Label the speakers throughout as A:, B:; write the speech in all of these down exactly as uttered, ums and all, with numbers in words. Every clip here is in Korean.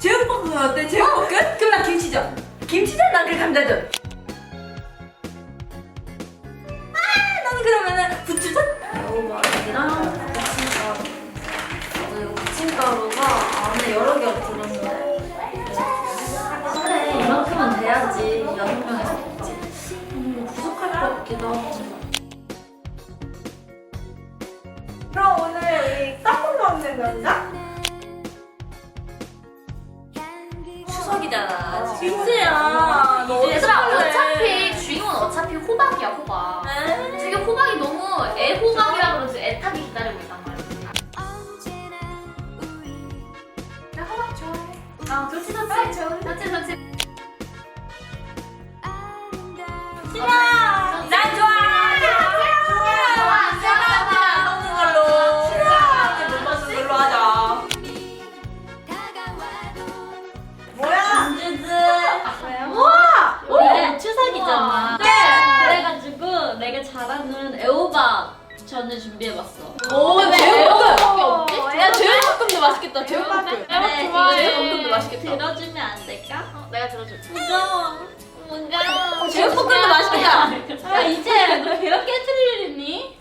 A: 제육볶음 어때? 제육볶음? 그럼 나 김치전. 김치전 난 그 감자전. 아 나는 그러면은 부추전?
B: 애호박이랑 부침가루. 맞아, 이거 부침가루가 안에 여러 개가 들었는데. 그래, 이만큼은 돼야지. 여섯 명에서 먹지. 음, 부족할 것 같기도 하고.
A: 그럼 오늘 우리 떡국 먹는 건가?
B: 추석이잖아.
A: 진짜야. 너
B: 얘들아,
A: 어떡해.
B: 어차피 주인공은 어차피 호박이야, 호박.
A: 에이.
B: 지금 호박이 너무 애호박이라 그러지 애타게 기다리고 있단 말이야. 나 호박 좋아해. 아, 좋지, 좋지. 좋지, 좋지.
A: 싫어. 난 좋아.
C: 오늘 추석이잖아. 네. 그래가지고 내가 잘하는 애호박 전을 준비해봤어.
A: 오,
C: 왜
A: 제육볶음밖에
C: 없지?
A: 야, 제육볶음도 맛있겠다. 제육볶음.
C: 그래,
A: 이거
C: 이거
A: 제육볶음도 맛있겠다.
C: 들어주면 안 될까?
B: 어, 내가 들어줄게.
C: 무거워. 무거워.
A: 제육볶음도 맛있겠다.
C: 야, 이제 너 그렇게 해줄 일 있니?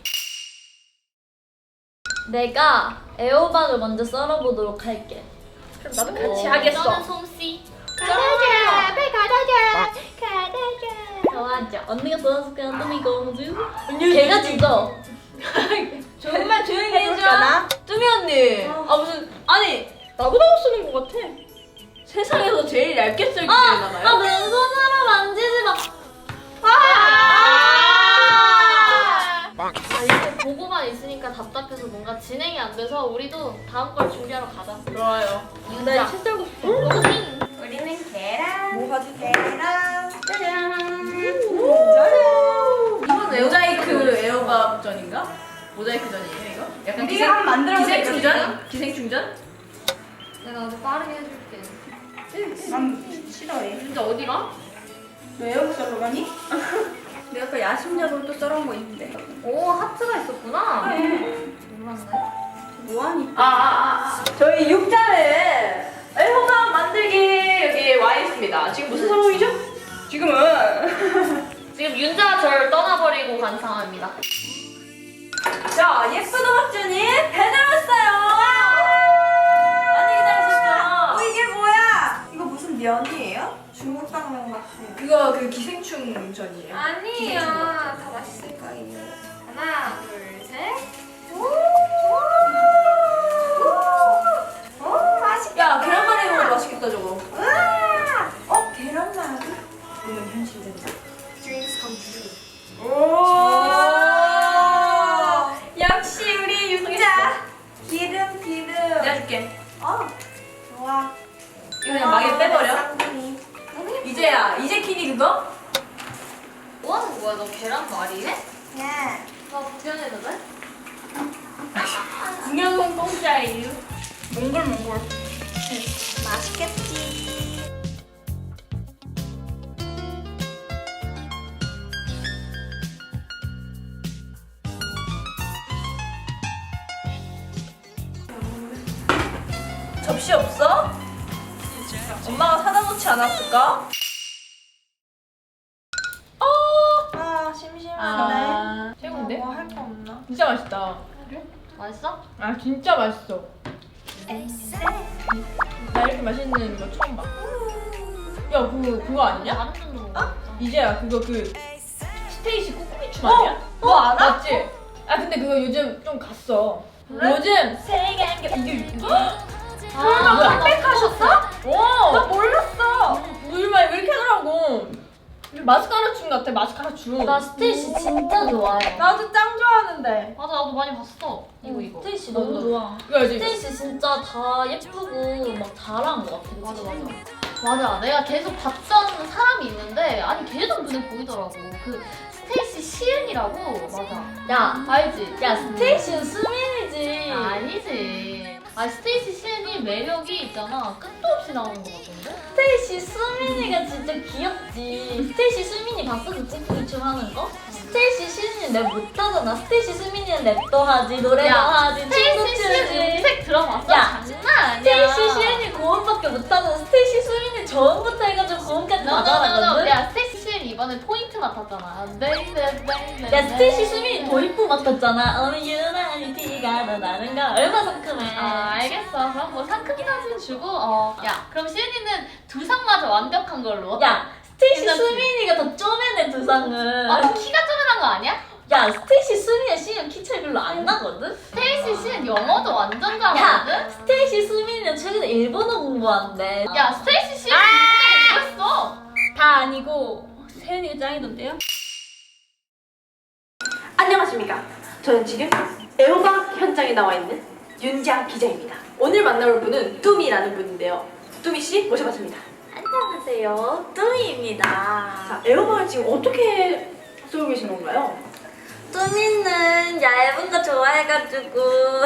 C: 내가 애호박을 먼저 썰어보도록 할게.
A: 그럼 나도 같이
C: 오,
A: 하겠어.
C: 너는 솜씨. 가다줘. 빨리 가다줘. 가다줘. 좋아하죠. 언니가 도와줄게. 언니 공주. 걔가 주죠.
A: 정말 조용히 해줘. 뚜미 언니. 아 무슨 아니 나보다 쓰는 것 같아. 세상에서 제일 얇게 쓸
C: 아,
A: 기회잖아요.
C: 아, 맨손으로 만지지 마.
B: 아, 이제 보고만 있으니까 답답해서 뭔가 진행이 안 돼서 우리도 다음 걸 준비하러 가자.
A: 좋아요.
B: 자,
A: 책 들고 싶어.
B: 로딩. 우리는 계란.
A: 뭐 가지? 계란.
B: 짜잔.
A: 이건 모자이크 에어밥전인가? 모자이크 전이에요 이거? 약간 기생
D: 한번 만들어보자,
A: 기생
D: 이거
A: 충전? 기생 충전?
B: 내가 아주 빠르게 해줄게.
D: 난 싫어해.
B: 진짜 어디가?
D: 너 에어컨 썰러 가니?
A: 내가 아까 야심작으로 또 썰어온 거 있는데.
B: 오, 하트가 있었구나.
D: 네.
B: 몰랐네.
D: 뭐하니?
A: 아, 아, 아. 저희 육자는 애호박 만들기 여기 와 있습니다. 지금 무슨 상황이죠? 지금은
B: 지금 윤자가 저를 떠나버리고 간 상황입니다.
A: 자 예쁜 호박전이 배달 왔어요. 많이 기다리셨죠?
D: 어 이게 뭐야? 이거 무슨 면이에요? 중국 당면 같아.
A: 그거 그 기생충 전이에요.
B: 아니에요. 다 맛있을 거예요. 하나, 둘, 셋.
D: 오 맛있다.
A: 야 계란말이 먹어도 맛있겠다 저거.
D: 우와. 어 계란말이? 이건 현실된다.
B: Dreams come true.
A: 오. 역시 우리 육자.
D: 기름 기름.
A: 내가 줄게.
D: 어 좋아.
A: 이거 그냥 막에 빼버려.
D: 쌍둥이.
A: 이제야 이제 키니 그거?
B: 뭐 하는 거야? 너 계란말이 해?
D: 네.
B: 나 구경해도 돼?
A: 공룡은 공짜예요. 몽골 몽골.
D: 맛있겠지.
A: 접시 없어? 엄마가 사다 놓지 않았을까?
D: 아 심심한데.
A: 아, 최고인데?
D: 뭐 할 거 없나?
A: 진짜 맛있다.
B: 맛있어?
A: 아 진짜 맛있어. 나 이렇게 맛있는 거 처음 봐. 야 그거 그거 아니냐?
B: 다른 쪽으로 먹어.
A: 이제야 그거 그 스테이시 꼬꼬미춤 아니야?
D: 너 알아?
A: 맞지? 아 근데 그거 요즘 좀 갔어. 요즘 세계 한개 이게 이게
B: 아,
A: 뭐야?
D: 컴백하셨어?
A: 오!
D: 나 몰랐어.
A: 우리말 왜 이렇게 하더라고. 마스카라 춤 같아 마스카라 춤.
C: 나 스테이시 진짜 좋아해.
D: 나도 짱 좋아하는데.
B: 맞아, 나도 많이 봤어. 이거, 이거.
C: 스테이시 너무 좋아.
A: 이거 알지?
C: 스테이시 진짜 다 예쁘고 막 잘한 것 같아.
B: 맞아, 맞아. 맞아, 내가 계속 봤던 사람이 있는데, 아니, 계속 눈에 보이더라고. 그, 스테이시 시은이라고. 맞아.
C: 야,
B: 알지?
C: 야 스테이시는 수민이지.
B: 아니지. 아, 스테이시 시은이 매력이 있잖아. 끝도 없이 나오는 것 같은데?
C: 스테이시 수민이가 진짜 귀엽지. 스테이시 수민이 봤어? 그 찌뿌기 춤 하는 거? 스테이시 수민이 랩 못하잖아. 스테이시 수민이는 랩도 하지, 노래도
B: 야,
C: 하지, 춤도
B: 스테이시 시은
C: 추지.
B: 음색 들어봤어?
C: 야,
B: 장난 아니야.
C: 스테이시 수민이 고음밖에 정도밖에 못하는 스테이시 수민이 저음부터 해가지고 고음까지 다
B: 너너너너
C: 잘하거든?
B: 야 스테이시 수민 이번에 포인트 맡았잖아. 네네네.
C: 야 스테이시 수민이 도입부 맡았잖아. 어느 유나니티가 더 나는 거 얼마 상큼해.
B: 아 알겠어. 그럼 뭐 상큼이나 좀 주고 어. 야 그럼 시은이는 두상마저 완벽한 걸로.
C: 야 스테이시
B: 괜찮지?
C: 수민이가 더 쪼매네 두상은.
B: 아 키가 쪼매난 거 아니야?
C: 야 스테이시 수민이랑 시은 키 차이 별로 안 나거든?
B: 스테이시 시은 영어도 완전
C: 야
B: 잘하거든.
C: 스테이시 수민이는 최근에 일본어 공부한대.
B: 야 스테이시 시은 일본어 공부했어.
C: 다 아니고 세은이가 짱이던데요?
A: 안녕하십니까. 저는 지금 애호박 현장에 나와 있는 윤지아 기자입니다. 오늘 만나볼 분은 뚜미라는 분인데요. 뚜미 씨 모셔봤습니다.
C: 안녕하세요 뚜미입니다.
A: 자, 애호박을 지금 어떻게 쏘고 계신 건가요?
C: 뚜미는 얇은 거 좋아해가지고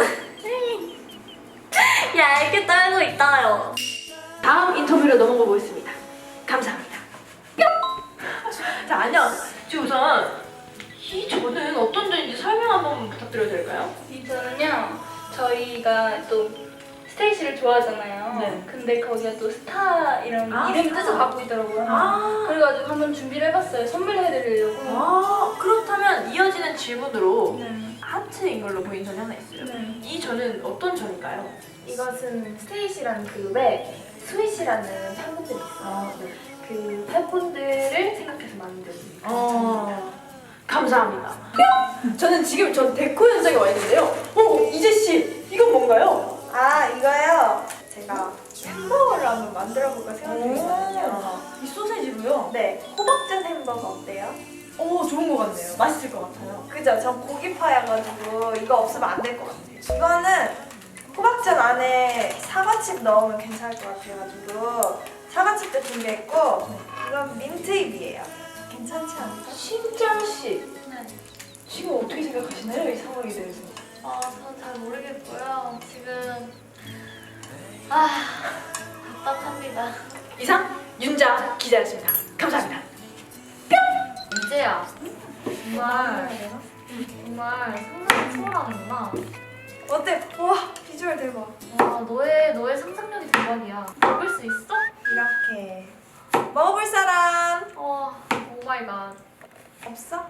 C: 얇게 떨고 있어요.
A: 다음 인터뷰로 넘어가 보겠습니다. 감사합니다. 뿅! 자, 안녕. 지금 우선 이 저는 어떤 전인지 설명 한번 부탁드려도 될까요?
E: 이 저는요 저희가 또 스테이시를 좋아하잖아요.
A: 네.
E: 근데 거기가 또 스타 이런
A: 아,
E: 이름
A: 스타.
E: 뜻을 갖고 있더라고요.
A: 아,
E: 그래가지고 한번 준비를 해봤어요. 선물해드리려고.
A: 아 그렇다면 이어지는 질문으로
E: 네.
A: 하트인 걸로 보인 전이 하나 있어요.
E: 네.
A: 이 전은 어떤 전인가요?
E: 이것은 스테이시라는 그룹에 스윗이라는 팬분들이 있어요.
A: 아, 네.
E: 그 팬분들을 생각해서 만든.
A: 어, 감사합니다. 뿅! 저는 지금 전 데코 현장에 와 있는데요. 어, 이재 씨, 이건 뭔가요?
D: 아 이거요. 제가 햄버거를 한번 만들어볼까 생각 중이거든요.
A: 이 소세지로요?
D: 네, 호박전 햄버거 어때요?
A: 오, 좋은 것 같네요. 맛있을 것 같아요.
D: 그죠? 전 고기파여가지고 이거 없으면 안 될 것 같아요. 이거는 호박전 안에 사과칩 넣으면 괜찮을 것 같아가지고 사과칩도 준비했고 이건 민트잎이에요. 괜찮지 않을까?
A: 신장 씨,
B: 네.
A: 지금 어떻게 생각하시나요? 이 상황에 대해서?
B: 아, 저는 잘 모르겠고요. 지금 아 답답합니다.
A: 이상 윤자 기자였습니다. 감사합니다.
B: 이제야 정말 정말 상상을 초월하는구나.
D: 어때? 와 비주얼 대박.
B: 와 너의 너의 상상력이 대박이야. 먹을 수 있어?
D: 이렇게 먹어볼 사람
B: 와 오 마이 갓.
D: 없어?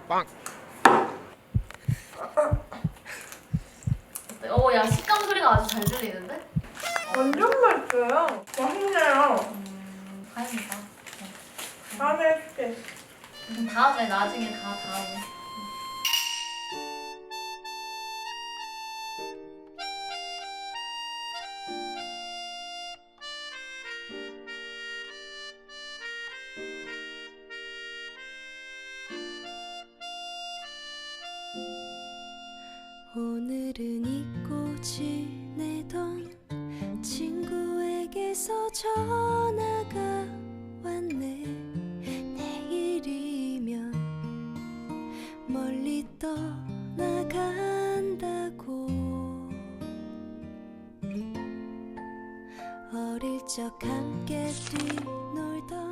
B: 어야 식감 소리가 아주 잘 들리는데?
D: 완전 맛있어요. 맛있네요.
B: 음 다행이다.
D: 다음에 해줄게.
B: 음, 다음에 나중에 다 다음에.
F: 오늘은 잊고 지내던 친구에게서 전화가 왔네. 내일이면 멀리 떠나간다고. 어릴 적 함께 뛰놀던